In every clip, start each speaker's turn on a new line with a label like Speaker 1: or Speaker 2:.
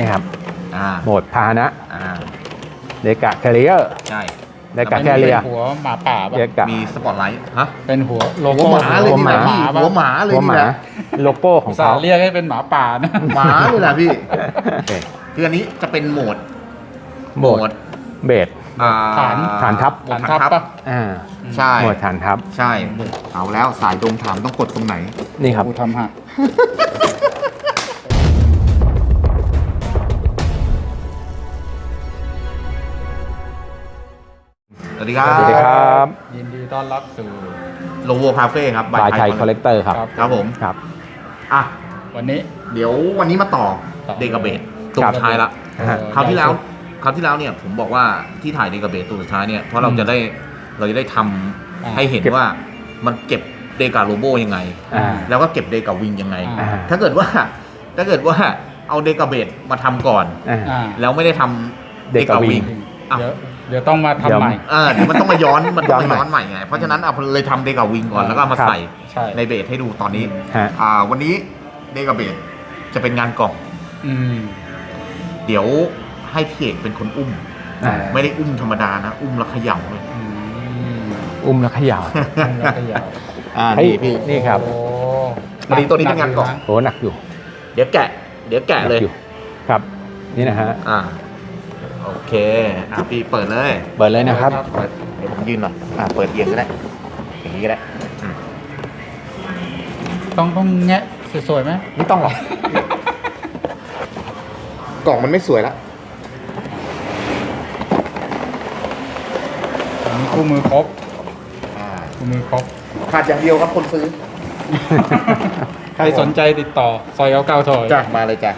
Speaker 1: นี่ครับ โหมดพาหนะเดกะแคริเออร์
Speaker 2: ใช่
Speaker 1: เดกะแคริเออร์
Speaker 3: หัวหมาป่าป่ะ
Speaker 2: มีสปอตไลท์ฮะ
Speaker 3: เป็นหัวโล
Speaker 2: หัว
Speaker 3: โก้
Speaker 2: หมาเลยนี่แหละพี่หัวหมาเลย
Speaker 1: หัวห
Speaker 2: นี่
Speaker 1: มา
Speaker 2: แหละ
Speaker 1: โลโก้ของ
Speaker 3: สา
Speaker 1: เขา
Speaker 3: เรียกให้เป็นหมาป่านะ
Speaker 2: หมาเลยแหละพี่
Speaker 1: โอเค
Speaker 2: คืออันนี้จะเป็นโหมด
Speaker 1: โหมดเบส
Speaker 3: ฐาน
Speaker 1: ฐานทัพ
Speaker 3: ฐานทัพป่ะ
Speaker 2: ใช่
Speaker 1: โหมดฐานทัพ
Speaker 2: ใช่เอาแล้วสายดงถามต้องกดตรงไหน
Speaker 1: นี่ครับ
Speaker 3: กูทำหัก
Speaker 2: สวัสดีครับ
Speaker 1: สวัสดีครับ
Speaker 3: ยินดีต้อนรับสู่
Speaker 2: โลโวคาเฟ่ครับ
Speaker 1: บายไทยคอลเลกเตอร์ครับ
Speaker 2: ครับผม
Speaker 1: ครับ
Speaker 2: อ่ะ
Speaker 3: วันนี้
Speaker 2: เดี๋ยววันนี้มาต่อ
Speaker 3: ต่อ
Speaker 2: เดกาเบตตัวสุดท้ายละ
Speaker 1: ครับ
Speaker 2: คราวที่แล้วเนี่ยผมบอกว่าที่ถ่ายเดกาเบตตัวสุดท้ายเนี่ยเพราะเราจะได้ทำให้เห็นว่ามันเก็บเดกาโลโบยังไง แล้วก็เก็บเดกาวิงยังไง ถ้าเกิดว่าเอาเดกาเบตมาทำก่อน แล้วไม่ได้ทำเดกาวิง
Speaker 3: เดี๋ยวต้องมาทำใหม่
Speaker 2: เดี๋ยวมันต้องมาย้อนใหม่ไงเพราะฉะนั้นเอาเลยทำเดกาวิงก่อนแล้วก็มาใส่
Speaker 3: ใช่
Speaker 2: ในเบสให้ดูตอนนี้
Speaker 1: ฮะ
Speaker 2: วันนี้เดกาเบสจะเป็นงานกล่อง
Speaker 3: อืม
Speaker 2: เดี๋ยวให้พี่เอกเป็นคนอุ้ม ไม่ได้อุ้มธรรมดานะ อุ้มแล้วเขย่าเลย
Speaker 3: อืม
Speaker 1: อุ้มแล้วเขย่า
Speaker 3: แล้วก็ยาว
Speaker 1: นี่พี่นี่ครับ
Speaker 3: โอ้
Speaker 2: วันนี้ตัวนี้เป็นงานกล่อง
Speaker 1: โหหนักอยู่
Speaker 2: เดี๋ยวแกะเลย
Speaker 1: หนักอครับ นี่นะฮะ
Speaker 2: โอเคพี่เปิดเลย
Speaker 1: เปิดเลยนะครับ
Speaker 2: เดี๋ยวผมยืนหน่อยเปิดเอียงก็ได้อย่างนี้ก็ได้
Speaker 3: ต้องแงะสวยๆไหม
Speaker 2: ไม่ต้องหรอกกล่องมันไม่สวยละ
Speaker 3: มีคู่มือครบคู่มือครบ
Speaker 2: ขาดอย่างเดียวครับคนซื้อ
Speaker 3: ใครสนใจติดต่อซอยเก้าถอย
Speaker 2: จ้ะมาเลยจ้ะ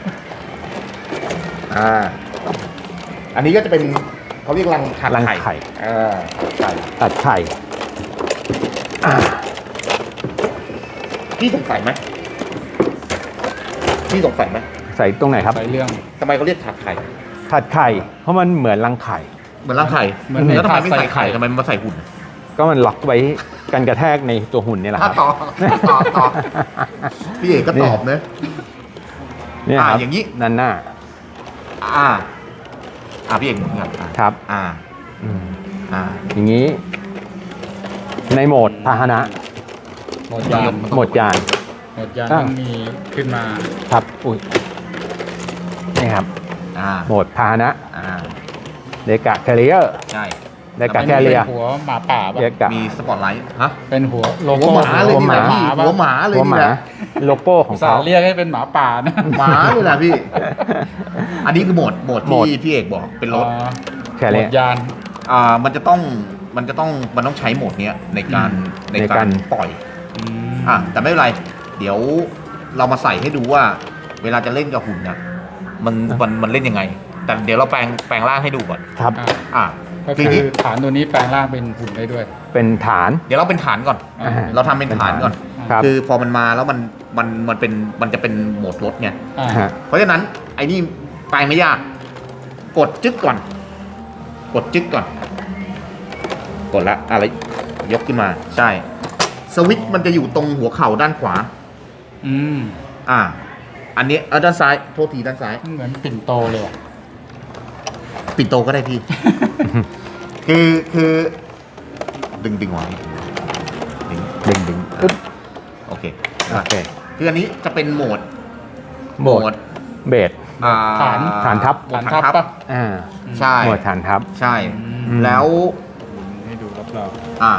Speaker 2: อันนี้ก็จะเป็นเขาเรียกรัง
Speaker 1: รัง
Speaker 2: ไข่
Speaker 1: ไข่
Speaker 2: ไข่
Speaker 1: ตัดไข่
Speaker 2: พี่สงสัยไหม
Speaker 1: ใส่ตรงไหนครับ
Speaker 3: ใส่เรื่อง
Speaker 2: ทำไมเขาเรียกถาดไข่
Speaker 1: ถัดไข่ เพราะมันเหมือนรังไข่
Speaker 2: เหมือนรังไข่
Speaker 3: เหมือนใน
Speaker 2: แล้วทำไมไม่
Speaker 3: ถาดใส่
Speaker 2: ใส่
Speaker 3: ไข่
Speaker 2: ไข่ทำไมมันมาใส่หุ่น
Speaker 1: ก็มันล็อกไว้กันกระแทกในตัวหุ่นนี่แหละครับ
Speaker 2: ต่อพี่เอกก็ตอบเนอะ
Speaker 1: เนี่ยครับ
Speaker 2: อย่างนี้
Speaker 1: นั่นหน้า
Speaker 2: พี่เอกเหมือนกัน
Speaker 1: ครับ อืมอย่างนี้ ในโหมดพาหนะ
Speaker 3: หมดยาน
Speaker 1: โหมดยาน
Speaker 3: ต้องมีขึ้นมา
Speaker 1: ครับ อุ้ยนี่ครับ โหมดพาหนะเดกะแคริเออร์
Speaker 2: ใช่
Speaker 1: เดกะแคริเออร์
Speaker 3: หัวหมาป่าป่ะ
Speaker 1: เดกะ
Speaker 2: มีสปอตไลท์ฮะ
Speaker 3: เป็นหัวโล
Speaker 2: หัว
Speaker 3: โก้
Speaker 2: หมาเลยนี่แหละพี่
Speaker 3: ป่ะ
Speaker 2: หัวหมาเลย
Speaker 1: หัวห
Speaker 2: นี่
Speaker 1: มา
Speaker 2: แหละ
Speaker 1: โลโก้ของ
Speaker 3: สา
Speaker 1: เขา
Speaker 3: เรียกให้เป็นหมาป่านะ
Speaker 2: หมาเลยแหละพี่ อันนี้คือโหมด
Speaker 1: โหมด
Speaker 2: ที่พี่เอกบอกเป็นรถ
Speaker 1: แค่
Speaker 3: หม
Speaker 1: นี้
Speaker 3: ดยาน
Speaker 2: มันต้องใช้โหมดเนี้ยในการ
Speaker 1: ในการ
Speaker 2: ปล่อย แต่ไม่เป็นไร เดี๋ยวเรามาใส่ให้ดูว่า เวลาจะเล่นกับหุ่นนะมันเล่นยังไง แต่เดี๋ยวเราแปลงร่างให้ดูก่อน
Speaker 1: ครับ
Speaker 3: ก็คือฐานตัวนี้แปลงร่างเป็นหุ่นได้ด้วย
Speaker 1: เป็นฐาน
Speaker 2: เดี๋ยวเราเป็นฐานก่อน เราทำเป็นฐานก่อน
Speaker 1: ครับ
Speaker 2: คือพอมันมาแล้วมันจะเป็นโหมดรถไง
Speaker 1: ฮะ
Speaker 2: เพราะฉะนั้นไอ้นี่แปลงไม่ยาก กดจึ๊กก่อน กดละอะไรยกขึ้นมา ใช่ สวิตช์มันจะอยู่ตรงหัวเข่าด้านขวา อันนี้ด้านซ้าย โทษทีด้านซ้าย
Speaker 3: เหมือนปิ่นโตเลยอ่ะ
Speaker 2: ปิดโตก็ได้พี่ คือดึงไว้
Speaker 1: ดึงปึ๊บ
Speaker 2: โอเค
Speaker 1: โอเค
Speaker 2: คืออันนี้จะเป็นโหมด
Speaker 1: โหมดเบส ฐานทัพ
Speaker 3: ฐานทัพป่ะ
Speaker 2: ใช่
Speaker 1: โหมดฐานทัพ
Speaker 2: ใช่
Speaker 1: อืม
Speaker 2: แล้ว
Speaker 3: ให้ดูรับเรา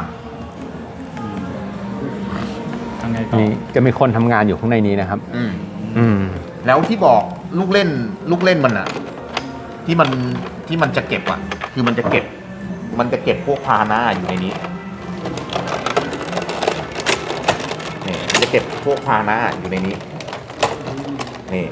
Speaker 3: ทางไงต่อ
Speaker 1: นี่จะมีคนทำงานอยู่ข้างในนี้นะครับ
Speaker 2: แล้วที่บอกลูกเล่นมันอะที่มันจะเก็บอะคือมันจะเก็บพวกพาหน้าอยู่ในนี้นี่มันจะเก็บพวกพาหน้าอยู่ในนี้นี่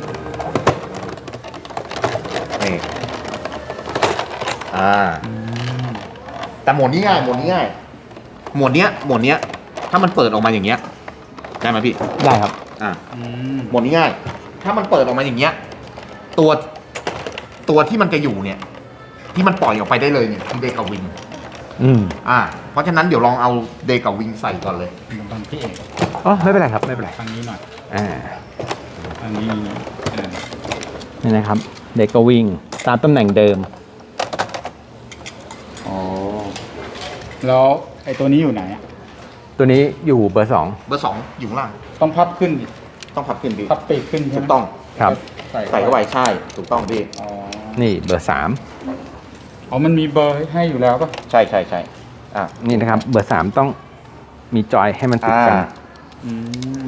Speaker 2: แต่โหมดนี้ง่ายโหมดเนี้ยถ้ามันเปิดออกมาอย่างเงี้ยได้ไหมพี่
Speaker 1: ได้ครับ
Speaker 2: โหมดนี้ง่ายถ้ามันเปิดออกมาอย่างเงี้ยตัวที่มันจะอยู่เนี่ยที่มันปล่อยออกไปได้เลยเนี่ยคือเดกาวิงเพราะฉะนั้นเดี๋ยวลองเอาเดกาวิงใส่ก่อนเลย
Speaker 3: ตอนพี่เอก
Speaker 1: อ๋อไม่เป็นไรครับไม่เป็นไร
Speaker 3: ทางนี้หน่อย
Speaker 1: อ่า
Speaker 3: ทางนี้
Speaker 1: นี่นะครับเด็กก็วิ่งตามตำแหน่งเดิม
Speaker 3: อ๋อแล้วไอ้ตัวนี้อยู่ไหนอะ
Speaker 1: ตัวนี้อยู่เบอร์
Speaker 2: เบอร์ 2อยู่ข้างล่าง
Speaker 3: ต้องพับขึ้นดิ
Speaker 2: ต้องพับขึ้นพี่
Speaker 3: พับปีกขึ้นใช่
Speaker 2: ถู
Speaker 3: ไหม
Speaker 2: กต้อง
Speaker 1: 2ครับ
Speaker 2: ใส่เข้าไปใช่ถูกต้องพี่
Speaker 3: อ๋อ
Speaker 1: นี่เบอร์
Speaker 3: อ๋อมันมีเบอร์ให้อยู่แล้วป่ะ
Speaker 2: ใช่ใช่ใช่อ่ะ
Speaker 1: 3นี่นะครับเบอร์ 3ต้องมีจอยให้มันติดกัน
Speaker 3: อืม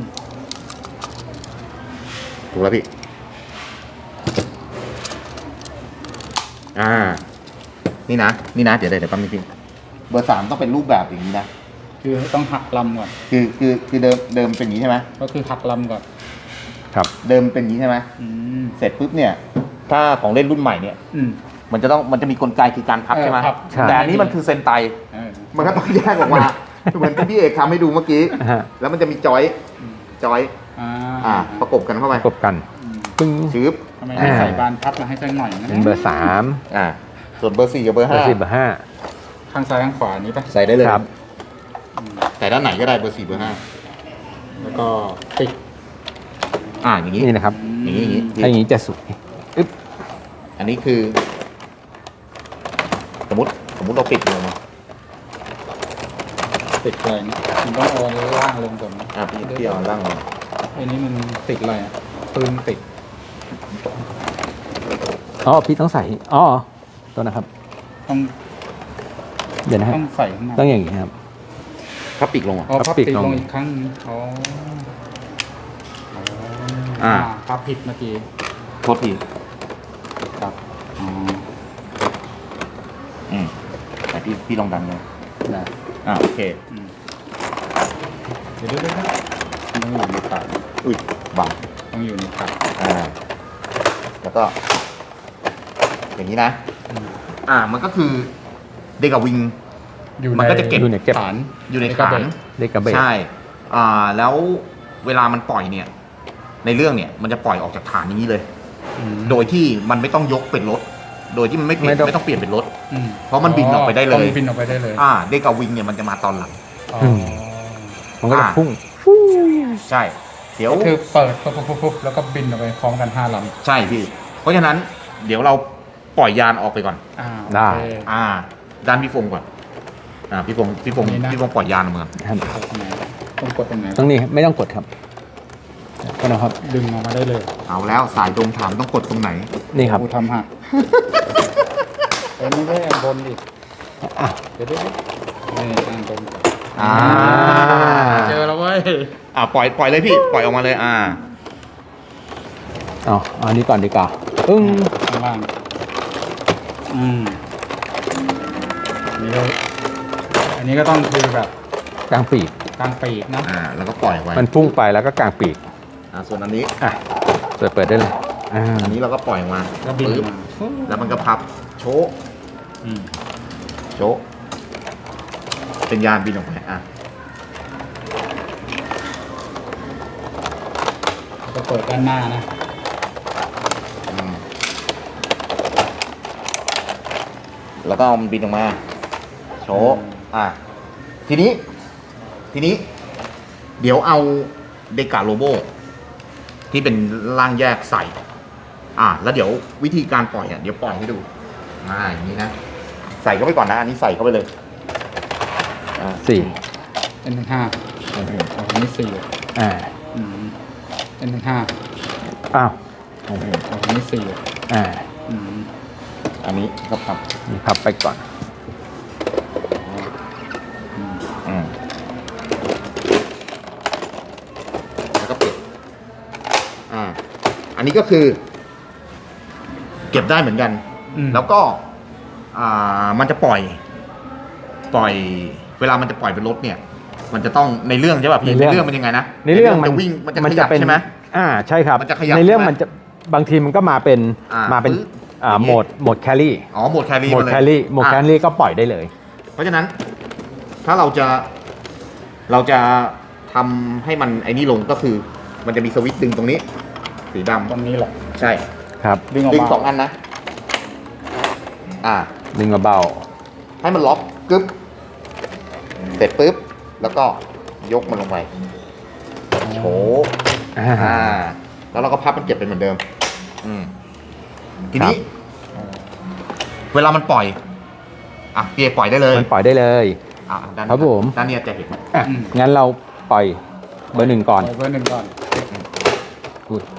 Speaker 2: ถูกแล้วพี่นี่นะเดี๋ยวแป๊บนึงพี่เบอร์ 3ต้องเป็นรูปแบบอย่างนี้นะ
Speaker 3: คือต้องหักลำก่อน
Speaker 2: คือเดิมเป็นอย่างนี้ใช่ไหม
Speaker 3: ก็คือหักลำก่อน
Speaker 1: ครับ
Speaker 2: เดิมเป็นอย่างนี้ใช่ไหม
Speaker 3: อืม
Speaker 2: เสร็จปุ๊บเนี่ยถ้าของเล่นรุ่นใหม่เนี่ย
Speaker 3: อืม
Speaker 2: มันจะมีกลไกคือการพับใช่ไหม
Speaker 3: พับ
Speaker 1: ใช่
Speaker 2: แต่อันนี้มันคือเซนไต
Speaker 3: เออ
Speaker 2: มันก็ต้องแยกออกมา เหมือนที่พี่เอกทำให้ดูเมื่อกี้
Speaker 1: ฮะ
Speaker 2: แล้วมันจะมีจอย ประกบกันเข้าไป
Speaker 1: ประกบกัน
Speaker 3: อืม
Speaker 1: ปึ้ง
Speaker 2: ชืบ
Speaker 3: ทำไมไม่ใส่บานพับมาให้สักหน่อยนะ
Speaker 1: เป็นเบอร์
Speaker 2: ส่วนเบอร์ 4 กับเบอร์
Speaker 1: 3เบอร์ 4เบอร์
Speaker 3: ข้างซ้ายข้างขวานี้ป่ะ
Speaker 2: 5 ใส่ได้เลย
Speaker 1: ครับ
Speaker 3: อืม
Speaker 2: ใส่ด้านไหนก็ได้เบอร์ 4 เบอร์
Speaker 3: แล้วก็ปิด
Speaker 2: 5อย่างนี้
Speaker 1: 5นี่นะครับ
Speaker 2: อย่างนี้
Speaker 1: ถ้าอย่างนี้จะสวยอึ๊บ
Speaker 2: อันนี้คือ สมมติเราปิดลงมา
Speaker 3: ติดอะไรนะมันต้องเอาล่างลงก่อนนะ
Speaker 2: พี่เอาล่างลง
Speaker 3: ไอ้นี้มันติดอะไรอ่ะปืนติด
Speaker 1: อ๋อพี่ต้องใส่อ๋อตัวนะครับ
Speaker 3: ต้อง
Speaker 1: เดี๋ยวนะครั
Speaker 3: ต้
Speaker 1: บ
Speaker 3: องใส่ข้างใน
Speaker 1: ต้องอย่างนี้ครับ
Speaker 2: พับปีกลงอ่ะ
Speaker 3: อ๋อ
Speaker 1: พั
Speaker 3: พั
Speaker 1: บบ ปี
Speaker 3: ปิ
Speaker 1: ก
Speaker 3: ด
Speaker 1: ลง
Speaker 3: ลงอีกครั้งนึงอ๋อ พับผิดเมื่อกี้
Speaker 2: โทษที
Speaker 3: ครับอ๋อ
Speaker 2: แต่พี่ลองดันเลย
Speaker 3: ได้
Speaker 2: โอเค
Speaker 3: อืมเดี๋ยวต้องอยู่ในปาก
Speaker 2: อุ้ยบัง
Speaker 3: ต้องอยู่ในปาก
Speaker 2: แล้วก็ อย่างนี้นะ
Speaker 3: อืม
Speaker 2: มันก็คือเดกาวิง
Speaker 3: อยู่
Speaker 2: มันก็จะเก็บ
Speaker 1: อยู่ในเก็บ
Speaker 3: ฐาน
Speaker 2: อยู่ใน
Speaker 3: กระ
Speaker 2: ฐา
Speaker 3: เบ
Speaker 2: น
Speaker 3: น
Speaker 1: เด็กกระเบด
Speaker 2: ใช่ แล้วเวลามันปล่อยเนี่ย ในเรื่องเนี่ย มันจะปล่อยออกจากฐานอย่างนี้เลย
Speaker 3: อืม
Speaker 2: โดยที่มันไม่ต้องยกเป็นรถ โดยที่มันไม่ต้องเปลี่ยนเป็นรถ
Speaker 3: อืม
Speaker 2: เพราะมันบินออกไปได้เลย
Speaker 3: ต้องบินออกไปได้เลย
Speaker 2: เดกาวิงเนี่ยมันจะมาตอนหลัง
Speaker 3: อ๋อ
Speaker 1: มันก็จะพุ่ง
Speaker 2: ใช่ เดี๋ยว
Speaker 3: ก็คือเปิดปุ๊บแล้วก็บินออกไปพร้อมกัน5 ลำ
Speaker 2: ใช่พี่ เพราะฉะนั้น เดี๋ยวเราปล่อยยานออกไปก่อน
Speaker 1: ได้
Speaker 3: โอเค
Speaker 2: ด้านพี่ฟงก่อน พี่ฟง
Speaker 3: นี่นะ
Speaker 2: ปล่อยยานออกมา
Speaker 1: ครับ
Speaker 3: กดตรงไหนต้องกดตรงไหน
Speaker 1: ตรงนี้ไม่ต้องกดครับก็นะครับ
Speaker 3: ดึงออกมาได้เลย
Speaker 2: เอาแล้วสายตรงถามต้องกดตรงไหน
Speaker 1: นี่ครับ
Speaker 3: กูทำหักไม่ได้บนดิ
Speaker 1: อ่ะ
Speaker 3: เดี๋ยวนี่ตั้งตรง
Speaker 2: อ่า
Speaker 3: เจอแล้วเว้ย
Speaker 2: ปล่อยเลยพี่ ปล่อยออกมาเลย
Speaker 1: เอาอันนี้ก่อนดีกว่าอึ้ง
Speaker 3: ข้างล่างอันนี้ก็ต้องคือแบบ
Speaker 1: กลางปีก
Speaker 3: กลางปีกนะ
Speaker 2: แล้วก็ปล่อยออกไป
Speaker 1: มันพุ่งไปแล้วก็กลางปีก
Speaker 2: ส่วนอันนี้
Speaker 1: อ่ะเปิดได้เลยอ่า
Speaker 2: อันนี้เราก็ปล่อยออกมา
Speaker 3: ก็บิน
Speaker 2: ปึ๊บ
Speaker 3: มา
Speaker 2: แล้วมันก็พับ โชะ
Speaker 3: อืม
Speaker 2: โชะเป็นยานบินออกไป
Speaker 3: ก็เปิดด้านหน้านะ
Speaker 2: แล้วก็เอามันบินออกมา โชะทีนี้ เดี๋ยวเอาเดกาโลโบที่เป็นร่างแยกใส่ แล้วเดี๋ยววิธีการปล่อยเดี๋ยวปล่อยให้ดู อย่างนี้นะ ใส่เข้าไปก่อนนะ อันนี้ใส่เข้าไปเลย
Speaker 1: สี่
Speaker 3: เป็น1 5อันนี้4
Speaker 1: อ่า
Speaker 3: เป็น1 5
Speaker 1: อ้าว
Speaker 3: อันนี้4
Speaker 1: อ่า
Speaker 2: อันนี้ก็พับ
Speaker 1: นี่พับไปก่อน
Speaker 2: แล้วก็ปิดอันนี้ก็คือ เก็บได้เหมือนกัน แล้วก็มันจะปล่อย เวลามันจะปล่อยเป็นรถเนี่ย มันจะต้องในเรื่องใช่ป่ะพี่
Speaker 1: ในเรื่อง
Speaker 2: ในเรื่องมันยังไงนะ
Speaker 1: ในเรื่อง
Speaker 2: มันจะวิ่งมันจะขยับใช่ไหม
Speaker 1: ใช่ครับ
Speaker 2: มันจะขยับ
Speaker 1: ในเรื่อง
Speaker 2: ใช่ไหม
Speaker 1: มันจะบางทีมันก็มาเป็น มาเป็น
Speaker 2: ปึ๊บอย่างงี้
Speaker 1: โหมดแครี่
Speaker 2: โหมดแครี่
Speaker 1: โหมด
Speaker 2: มาเลย
Speaker 1: แครี่โหมดแครี่ก็ปล่อยได้เลย
Speaker 2: เพราะฉะนั้น ถ้าเราจะทำให้มันไอ้นี่ลงก็คือ มันจะมีสวิตช์ดึงตรงนี้ สีดำ
Speaker 3: ตรงนี้แหละ
Speaker 2: ใช่
Speaker 1: ครับ
Speaker 3: ดึงออก
Speaker 2: ดึง
Speaker 3: มา
Speaker 2: 2 อันนะ
Speaker 1: ดึงเบา
Speaker 2: ให้มันล็อกกึ๊บเสร็จปุ๊บ แล้วก็ยกมันลงไปโฉ
Speaker 1: ๆอ่า
Speaker 2: แล้วเราก็พับมันเก็บเป็นเหมือนเดิมทีนี้ เวลามันปล่อยอ่ะพี่เอปล่อยได้เลย
Speaker 1: มันปล่อยได้เลย
Speaker 2: อ่ะด้าน
Speaker 1: ครับผม
Speaker 2: ด้านเนี้ยจะเห็น
Speaker 1: อ่ะงั้นเราปล่อยเบอร์ 1ก่อน
Speaker 3: เอาเบอร์หนึ่งก่อน
Speaker 1: อุ๊ย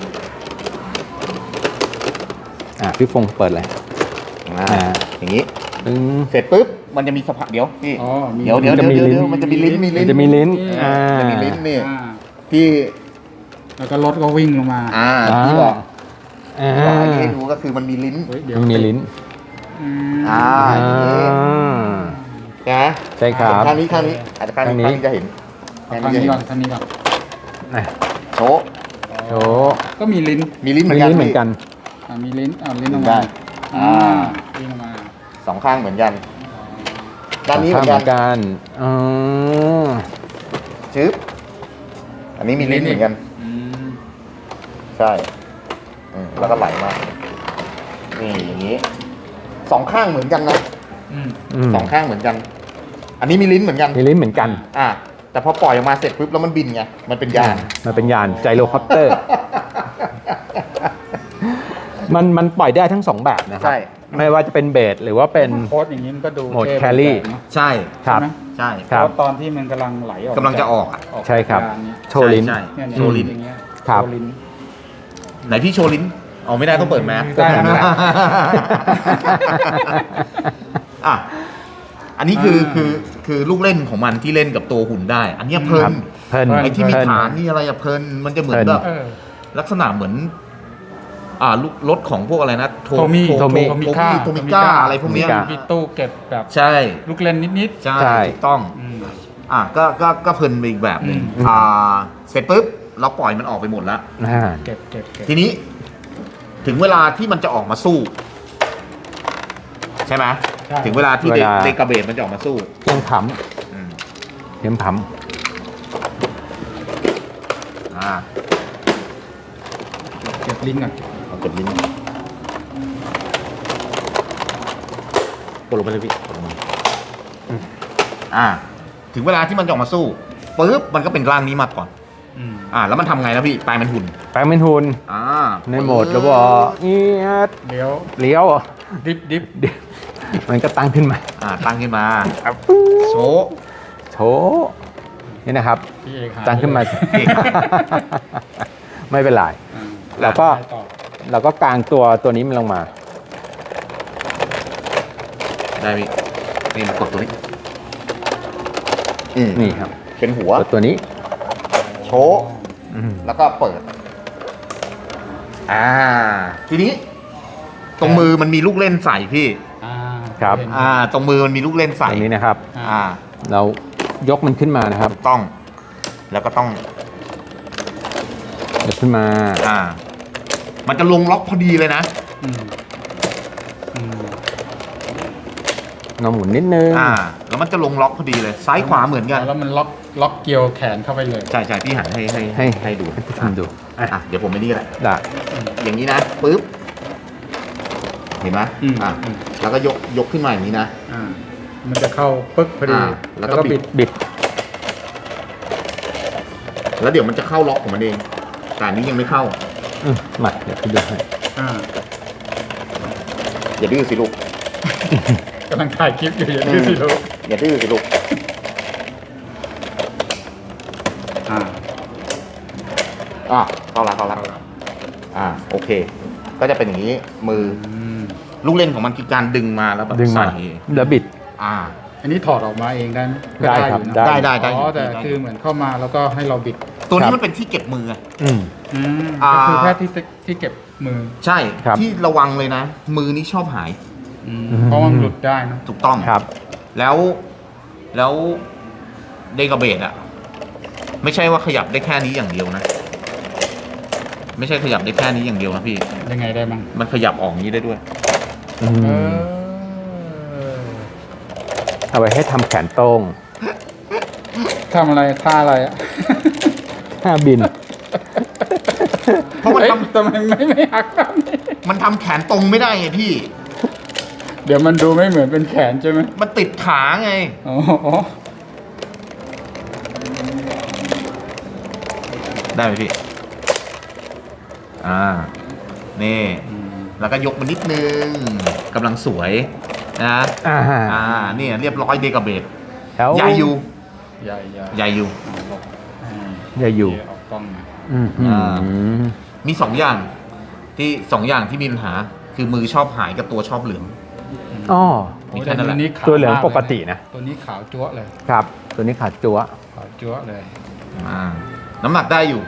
Speaker 1: พี่ฟงเปิดเลย
Speaker 2: อย่างนี้
Speaker 1: ตึ้ง
Speaker 2: เสร็จปุ๊บมันจะมีสะพานเดี๋ยวพี่
Speaker 3: อ๋อมี
Speaker 2: เดี๋ยว
Speaker 1: มันจะมีลิ้น
Speaker 2: มันจะมีลิ้น
Speaker 1: มันจะมีลิ้น
Speaker 2: จะมีลิ้นนี่
Speaker 3: อ่า
Speaker 2: ที่
Speaker 3: แล้วก็รถก็วิ่งลงมา
Speaker 2: ที่บอก
Speaker 1: อ่า
Speaker 2: บอกอันนี้ให้ดูก็คือมันมีลิ้น
Speaker 3: เฮ้ยเดี๋ยว
Speaker 1: มันมีลิ้น
Speaker 3: อืม
Speaker 2: อย่างนี้ นะ
Speaker 1: ใช่ครับ
Speaker 2: ข้างนี้อาจจะข้างนี้
Speaker 1: ข้างนี้
Speaker 2: จะเห็น
Speaker 3: เอาทางนี้ก่อนทางนี้ก่อน
Speaker 1: อ่ะ
Speaker 2: โชว์
Speaker 1: โชว์
Speaker 3: ก็มีลิ้น
Speaker 2: มีลิ้นเหมื
Speaker 1: มี
Speaker 2: อนกัน
Speaker 1: ลิ้นเหมือนกัน
Speaker 3: มีลิ้นลิ้นออก
Speaker 2: ได้
Speaker 3: มา
Speaker 2: อ่า
Speaker 3: วิ่งออกมา
Speaker 2: สองข้างเหมือนกันด้านนี้เหมือน
Speaker 1: ข้
Speaker 2: กั
Speaker 1: งกันอ๋อ
Speaker 2: ชึบอันนี้มีลิ้นเหมือนกัน
Speaker 3: อืม
Speaker 2: ใช่แล้วก็ไหลมานี่อย่างนี้สองข้างเหมือนกันนะ
Speaker 3: อืม
Speaker 2: สองข้างเหมือนกัน อันนี้มีลิ้นเหมือนกัน
Speaker 1: มีลิ้นเหมือนกัน
Speaker 2: แต่พอปล่อยออกมาเสร็จปุ๊บแล้วมันบินไงมันเป็นยาน
Speaker 1: มันเป็นยานไจโรคอปเตอร์ มันปล่อยได้ทั้งสองแบบนะครั
Speaker 2: ใช่
Speaker 1: ไม่ว่าจะเป็นเบสหรือว่าเป็น
Speaker 3: โค้ดอย่างนี้มันก็ดู
Speaker 1: โหมด
Speaker 3: เท่
Speaker 1: แครี่
Speaker 3: เนอะ
Speaker 2: ใช่
Speaker 1: ครับ
Speaker 3: ใช่ไหม
Speaker 2: ใช่
Speaker 1: ครับ
Speaker 3: โค้ดตอนที่มันกำลังไหลออก
Speaker 2: กำลังจะออกอ่ะ
Speaker 1: ใช่ครับ
Speaker 3: จากยานนี้
Speaker 1: โชว์ลิ้น
Speaker 2: ใช่
Speaker 3: เนี่ย
Speaker 2: โชว์ลิ้น
Speaker 3: อย่างเงี้ย
Speaker 1: ครับ
Speaker 3: โชว์ลิ้น
Speaker 2: ไหนพี่โชว์ลิ้นเอาไม่ได้ต้องเปิดแมส
Speaker 3: ได้ครับ
Speaker 2: อ่ะอันนี้คือลูกเล่นของมันที่เล่นกับตัวหุ่นได้ อันเนี้ยเพลิ
Speaker 1: ครั
Speaker 2: น
Speaker 1: บเพลิน
Speaker 2: ไอ้ที่มี
Speaker 1: เพลิน
Speaker 2: ฐานนี่อะไรอะเพลินมันจะเหมือน
Speaker 1: เพลิน
Speaker 2: แบบ
Speaker 3: เออ
Speaker 2: ลักษณะเหมือนลูกรถของพวกอะไรนะ
Speaker 3: โทมิ
Speaker 2: โทมิ
Speaker 3: โทมิก้า
Speaker 2: โทมิก้าอะไรพวกเนี้ย
Speaker 1: โทมิก้า
Speaker 3: มีตู้เก็บแบบ
Speaker 2: ใช่
Speaker 3: ลูกเล่นนิด
Speaker 2: ใช่
Speaker 1: ใช่
Speaker 2: ถูกต้อง
Speaker 3: ๆอืม
Speaker 2: ก็เพลินไปอีกแบบหนึ่ง
Speaker 1: อืม
Speaker 2: เสร็จปุ๊บเราปล่อยมันออกไปหมดแล้ว
Speaker 1: อ่า
Speaker 3: เก็บ
Speaker 2: ทีนี้ ถึงเวลาที่มันจะออกมาสู้ ใช่ไหม
Speaker 3: ใช่
Speaker 2: ถึงเวลาที่
Speaker 1: เวลา
Speaker 2: เดกาเบตมันจะออกมาสู้
Speaker 1: เพียงผ
Speaker 2: อืม
Speaker 1: ำเพียงผ
Speaker 2: อ่า
Speaker 3: เก็บลิ้นก่อน
Speaker 2: เอากดลิ้นกดลงไปเลยพี่กดลงมาถึงเวลาที่มันจะออกมาสู้ปุ๊บมันก็เป็นร่างนี้มาก่อน
Speaker 3: อืม
Speaker 2: แล้วมันทำไงนะพี่แปลงเป็นหุ่น
Speaker 1: แปลงเป็นหุ่น
Speaker 2: อ่า
Speaker 1: ในโหมดระบบเอียด
Speaker 3: เลี้ยว
Speaker 1: เลี้ยว
Speaker 3: ดิฟ
Speaker 1: เดี๋ยวมันก็ตั้งขึ้นมา
Speaker 2: ตั้งขึ้นมาโชว์
Speaker 1: โชว์นี่นะครับ
Speaker 3: พี่เอกหา
Speaker 1: ตั้งขึ้นมา
Speaker 2: เอก
Speaker 1: ไม่เป็นไร
Speaker 3: อ่า
Speaker 1: แล้วก็
Speaker 3: ไปต่อ
Speaker 1: เราก็กางตัวนี้มันลงมา
Speaker 2: ได้พี่นี่มากดตัวนี้
Speaker 1: นี่ครับ
Speaker 2: เป็นหัว
Speaker 1: กดตัวนี้
Speaker 2: โชว์
Speaker 1: อืม
Speaker 2: แล้วก็เปิด ทีนี้ ตรงมือมันมีลูกเล่นใส่พี่
Speaker 3: อ่า
Speaker 1: ครับ
Speaker 3: เห็น
Speaker 2: ตรงมือมันมีลูกเล่นใส่
Speaker 1: ตรงนี้นะครับ
Speaker 2: อ่า
Speaker 1: เรายกมันขึ้นมานะครับ
Speaker 2: ถูกต้อง แล้วก็ต้อง
Speaker 1: ยกขึ้นมา
Speaker 2: มันจะลงล็อกพอดีเลยนะ
Speaker 3: อืมอืม
Speaker 1: เราหมุนนิดนึง
Speaker 2: แล้วมันจะลงล็อกพอดีเลย ซ้ายขวาเหมือนกัน
Speaker 3: แล้วมันล็อกเกี่ยวแขนเข้าไปเลย
Speaker 2: ใช่พี่หันให้ดู
Speaker 1: ให้ผู้ชมดู
Speaker 2: เดี๋ยวผมไม่นี่แหละ
Speaker 1: ได้
Speaker 2: อย่างนี้นะปึ๊บ เห็นไหม
Speaker 3: อืม
Speaker 2: แล้วก็ยกขึ้นมาอย่างนี้นะ
Speaker 3: อ่ามันจะเข้าปึ๊กพอดี
Speaker 2: แล้วก็บิด
Speaker 1: บิด
Speaker 2: แล้วเดี๋ยวมันจะเข้าล็อกของมันเอง แต่อันนี้ยังไม่เข้า
Speaker 1: มาเดี๋ยวพี่ดูให้
Speaker 3: อ่า
Speaker 2: อย่าดื้อสิลูก
Speaker 3: กำลังถ่ายคลิปอยู่อย่างนี้สิลูก
Speaker 2: อย่าดื้อสิลูก เข้าละโอเค ก็จะเป็นอย่างนี้ มือ ลูกเล่นของมันคือการดึงมาแล้วแบบ
Speaker 1: ดึงมา
Speaker 2: ใส่
Speaker 1: แล้วบิด
Speaker 3: อันนี้ถอดออกมาเองได้ไหม
Speaker 1: ได้ครับ
Speaker 3: อยู่นะ
Speaker 1: ได้
Speaker 2: ได้
Speaker 3: อ๋อแต่คือเหมือนเข้ามาแล้วก็ให้เราบิด
Speaker 2: ตัว
Speaker 1: ครั
Speaker 2: นี้
Speaker 1: บ
Speaker 2: มันเป็นที่เก็บมือไง
Speaker 1: อืม
Speaker 3: ก็คือแค่ที่เก็บมือ
Speaker 2: ใช่
Speaker 1: ครับ
Speaker 2: ที่ระวังเลยนะ มือนี่ชอบหาย
Speaker 3: เพราะว่ามันหลุดได้นะ
Speaker 2: ถูกต้อง
Speaker 1: ครับ
Speaker 2: แล้วเดกาเบตอะไม่ใช่ว่าขยับได้แค่นี้อย่างเดียวนะ ไม่ใช่ขยับได้แค่นี้อย่างเดียวนะพี่
Speaker 3: ยังไงได้บ้าง
Speaker 2: มันขยับออกอย่างนี้ได้ด้วย
Speaker 1: อืม
Speaker 3: เออ
Speaker 1: เอาไว้ให้ทำแขนตรง
Speaker 3: ทำอะไรท่าอะไรอ่ะ
Speaker 1: ห้าบิน
Speaker 2: เพราะมัน
Speaker 3: เอ้ย
Speaker 2: ทำ
Speaker 3: ทำไมไม่หักแบบนี้
Speaker 2: มันทำแขนตรงไม่ได้ไงพี่
Speaker 3: เดี๋ยวมันดูไม่เหมือนเป็นแขนใช่ไหม
Speaker 2: มันติดขาไง
Speaker 3: อ๋อ
Speaker 2: ได้ไหมพี่ นี่แล้วก็ยกมานิดนึงกำลังสวยนะ เนี่ยเรียบร้อยเดกาเบต
Speaker 1: แล้ว
Speaker 2: ใหญ่อยู่
Speaker 3: ใหญ่
Speaker 2: ใหญ่อยู่
Speaker 1: ใหญ่อยู่
Speaker 3: เอากล้องมา
Speaker 2: มี2 อย่างที่มีปัญหาคือมือชอบหายกับตัวชอบเหลือง
Speaker 1: อ๋อ
Speaker 2: มีแค่นั้นแหละ
Speaker 3: ขาว
Speaker 1: ตัวเหลือง
Speaker 3: มาก
Speaker 1: ปกตินะ
Speaker 3: ตัวนี้ขาวจั๊วะเลย
Speaker 1: ครับ ตัวนี้ขาดจั๊ว
Speaker 3: ขาวจั๊วะเลย
Speaker 2: น้ำหนักได้อยู่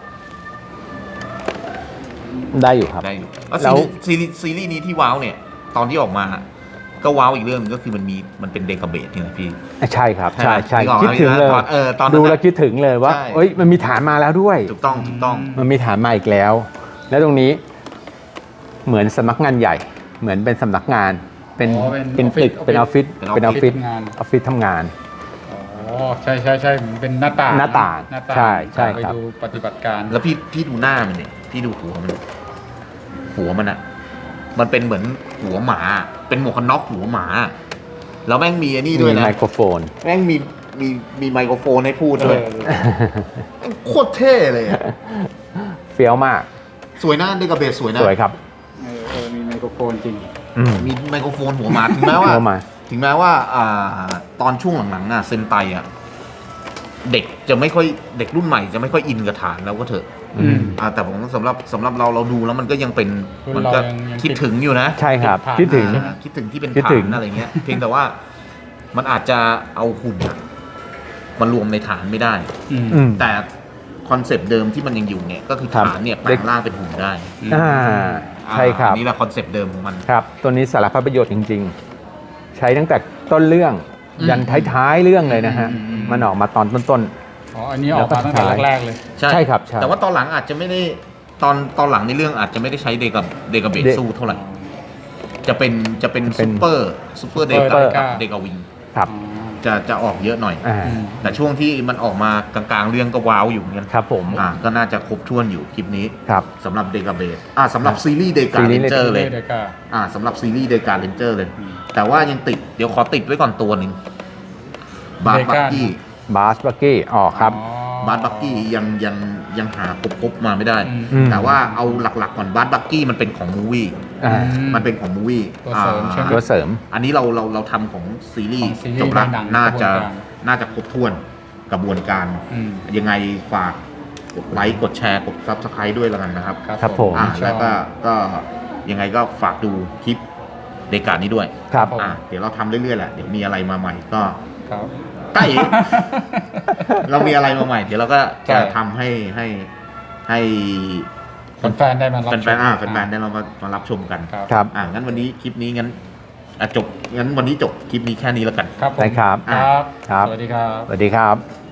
Speaker 1: ได้อยู่ครับ
Speaker 2: ได้อยู่แล้ว
Speaker 1: แล้ว
Speaker 2: ซีรีส์นี้ที่ว้าวเนี่ยตอนที่ออกมาก็ว้าวอีกเรื่องนึงก็คือมันเป็นเดกาเบตนี่แหละพี่
Speaker 1: ใช่ครับ ใช่
Speaker 2: ใช่
Speaker 1: ใช่
Speaker 2: ไหม
Speaker 1: คิดถึงเลย
Speaker 2: ตอนนั้น
Speaker 1: ดูแล้วคิดถึงเลยว่า
Speaker 2: ใช่
Speaker 1: เอ้ยมันมีฐานมาแล้วด้วย
Speaker 2: ถูกต้อง
Speaker 1: มันมีฐานมาอีกแล้ว แล้วตรงนี้เหมือนสำนักงานใหญ่ เหมือนเป็นสำนักงาน เป็น
Speaker 3: อ๋อเป็น
Speaker 1: เป็นตึก
Speaker 3: ออฟฟิศ
Speaker 1: เป็นออฟฟิศ เป็นออฟฟิศ
Speaker 3: ทำงาน
Speaker 1: ออฟฟิศทำงาน
Speaker 3: อ๋อใช่เหมือนเป็นหน้าต่าง
Speaker 1: หน้าต่าง
Speaker 3: หน้าต่าง
Speaker 1: ใช่ใช่
Speaker 3: ไป
Speaker 1: ครับ
Speaker 3: ดูปฏิบัติการ
Speaker 2: แล้วพี่ดูหน้ามันเนี่ยพี่ดูหัวมันอะมันเป็นเหมือนหัวหมาเป็นหมวกกันน็อกหัวหมาแล้วแม่งมีอันนี้ด้วย
Speaker 1: มี
Speaker 2: นะ
Speaker 1: ไมโครโฟน
Speaker 2: แม่งมีไมโครโฟนให้พูดด้วย
Speaker 3: เออ
Speaker 2: แม่งโคตรเท่เลยอะ
Speaker 1: เฟี้ยวมาก
Speaker 2: สวยนะเดกาเบตสวยนะ
Speaker 1: สวยครับ
Speaker 3: มีไมโครโฟนจริง
Speaker 2: มีไมโครโฟนหัวหมาถึงแม้ว่า
Speaker 1: หัวหมา
Speaker 2: ตอนช่วงหลังๆเซนไตเด็กจะไม่ค่อยเด็กรุ่นใหม่จะไม่ค่อยอินกับฐานแล้วก็เถอะ
Speaker 3: อืม
Speaker 2: แต่ผมสำหรับเราดูแล้วมันก็ยังเป็น
Speaker 3: รุ่น
Speaker 2: มันก็
Speaker 3: เรายัง
Speaker 2: คิดถึงอยู่นะ
Speaker 1: ใช่ครับ
Speaker 3: ผ่าน
Speaker 1: คิดถึง
Speaker 2: คิดถึงที่เป็น
Speaker 1: คิด
Speaker 2: ฐา
Speaker 1: ถึง
Speaker 2: นอะไรเงี้ย เพียงแต่ว่ามันอาจจะเอาหุ่นมารวมในฐานไม่ได้
Speaker 3: อืม
Speaker 1: อืม
Speaker 2: แต่คอนเซปต์เดิมที่มันยังอยู่เนี่ยก็คือ
Speaker 1: ครับ
Speaker 2: ฐานเนี่ยแปลงร่างเป็นหุ่นได้
Speaker 1: ใช่ครับ
Speaker 2: อันนี่แหละคอนเซปต์เดิมของมัน
Speaker 1: ครับ ตัวนี้สารพัดประโยชน์จริง ๆ ใช้ตั้งแต่ต้นเรื่อง
Speaker 2: อืม
Speaker 1: ยันท้ายๆเรื่องเลยนะฮะ มันออกมาตอนต้น
Speaker 3: อ๋ออันนี้ออกมาตั้งแต่แรกๆเลย
Speaker 1: ใช่ครับใช่
Speaker 2: แต่ว่าตอนหลังอาจจะไม่ได้ตอนหลังในเรื่องอาจจะไม่ได้ใช้เดกาเบตสู้เท่าไหร่ จะเป็นซูเปอร์เด
Speaker 3: Super
Speaker 2: กา
Speaker 3: Deka
Speaker 2: เดกาวิง
Speaker 1: ๆ ครับ
Speaker 2: จะออกเยอะหน่อย
Speaker 1: อ่า
Speaker 3: อืม
Speaker 2: แต่ช่วงที่มันออกมากลางๆเรื่องก็ว้าวอยู่เหมือนกัน
Speaker 1: ครับผม
Speaker 2: ก็น่าจะครบถ้วนอยู่คลิปนี้
Speaker 1: ครับ
Speaker 2: สำหรับเดกาเบสสำหรับซีรีส์เดกา
Speaker 1: ซีรี
Speaker 2: เล
Speaker 1: ส์
Speaker 2: นเจอร์เลย
Speaker 3: เดกา
Speaker 2: สำหรับซีรีส์เดกาเลนเจอร์เลย
Speaker 3: อืม
Speaker 2: แต่ว่ายังติดเดี๋ยวขอติดไว้ก่อนตัวหนึ่งบาร์
Speaker 3: Deka
Speaker 2: บักกี้
Speaker 1: บาสบักกี้ออกครับ
Speaker 3: อ๋อ
Speaker 2: บาร์บักกี้ยังหาครบมาไม่ได้
Speaker 3: อืม
Speaker 1: อืม
Speaker 2: แต่ว่าเอาหลักๆก่อนบาร์บักกี้มันเป็นของมูวี่
Speaker 1: อ่า
Speaker 2: มันเป็นของมูวี่
Speaker 3: ตัวเสริมใช่ไหม
Speaker 1: ตัวเสริม
Speaker 2: อันนี้เราทำของซีรี
Speaker 3: ข
Speaker 2: ส์
Speaker 3: องซีรีส์
Speaker 2: จบละ
Speaker 3: ในหนัง
Speaker 2: น่าก
Speaker 3: ระบวน
Speaker 2: จะ
Speaker 3: การ
Speaker 2: น่าจะครบถ้วนกระบวนการ
Speaker 3: อืม
Speaker 2: ยังไงฝากกดไลค์กดแชร์กด Subscribe ด้วยแล้วกันนะครับ
Speaker 1: ครับผม
Speaker 3: ช
Speaker 2: แล้
Speaker 3: อ
Speaker 2: ว
Speaker 3: บ
Speaker 2: ก็ยังไงก็ฝากดูคลิปเดกานี้ด้วย
Speaker 1: ครับ
Speaker 3: ผม
Speaker 2: เดี๋ยวเราทำเรื่อยๆแหละเดี๋ยวมีอะไรมาใหม่ก็
Speaker 3: ครับ
Speaker 2: ใกล้ เรามีอะไรมาใหม่ เดี๋ยวเราก็
Speaker 3: ใช่
Speaker 2: จะทำให้
Speaker 3: แฟนๆได้มารับ
Speaker 2: แฟนๆแฟนๆได้มารับชมกัน
Speaker 3: ครับ
Speaker 1: ครับ
Speaker 2: งั้นวันนี้คลิปนี้งั้นจบงั้นวันนี้จบคลิปนี้แค่นี้แล้วกัน
Speaker 3: ครับผม
Speaker 1: ได้ครับ
Speaker 3: ครับ
Speaker 1: ครับ
Speaker 3: สวัสดีครับ
Speaker 1: สวัสดีครับ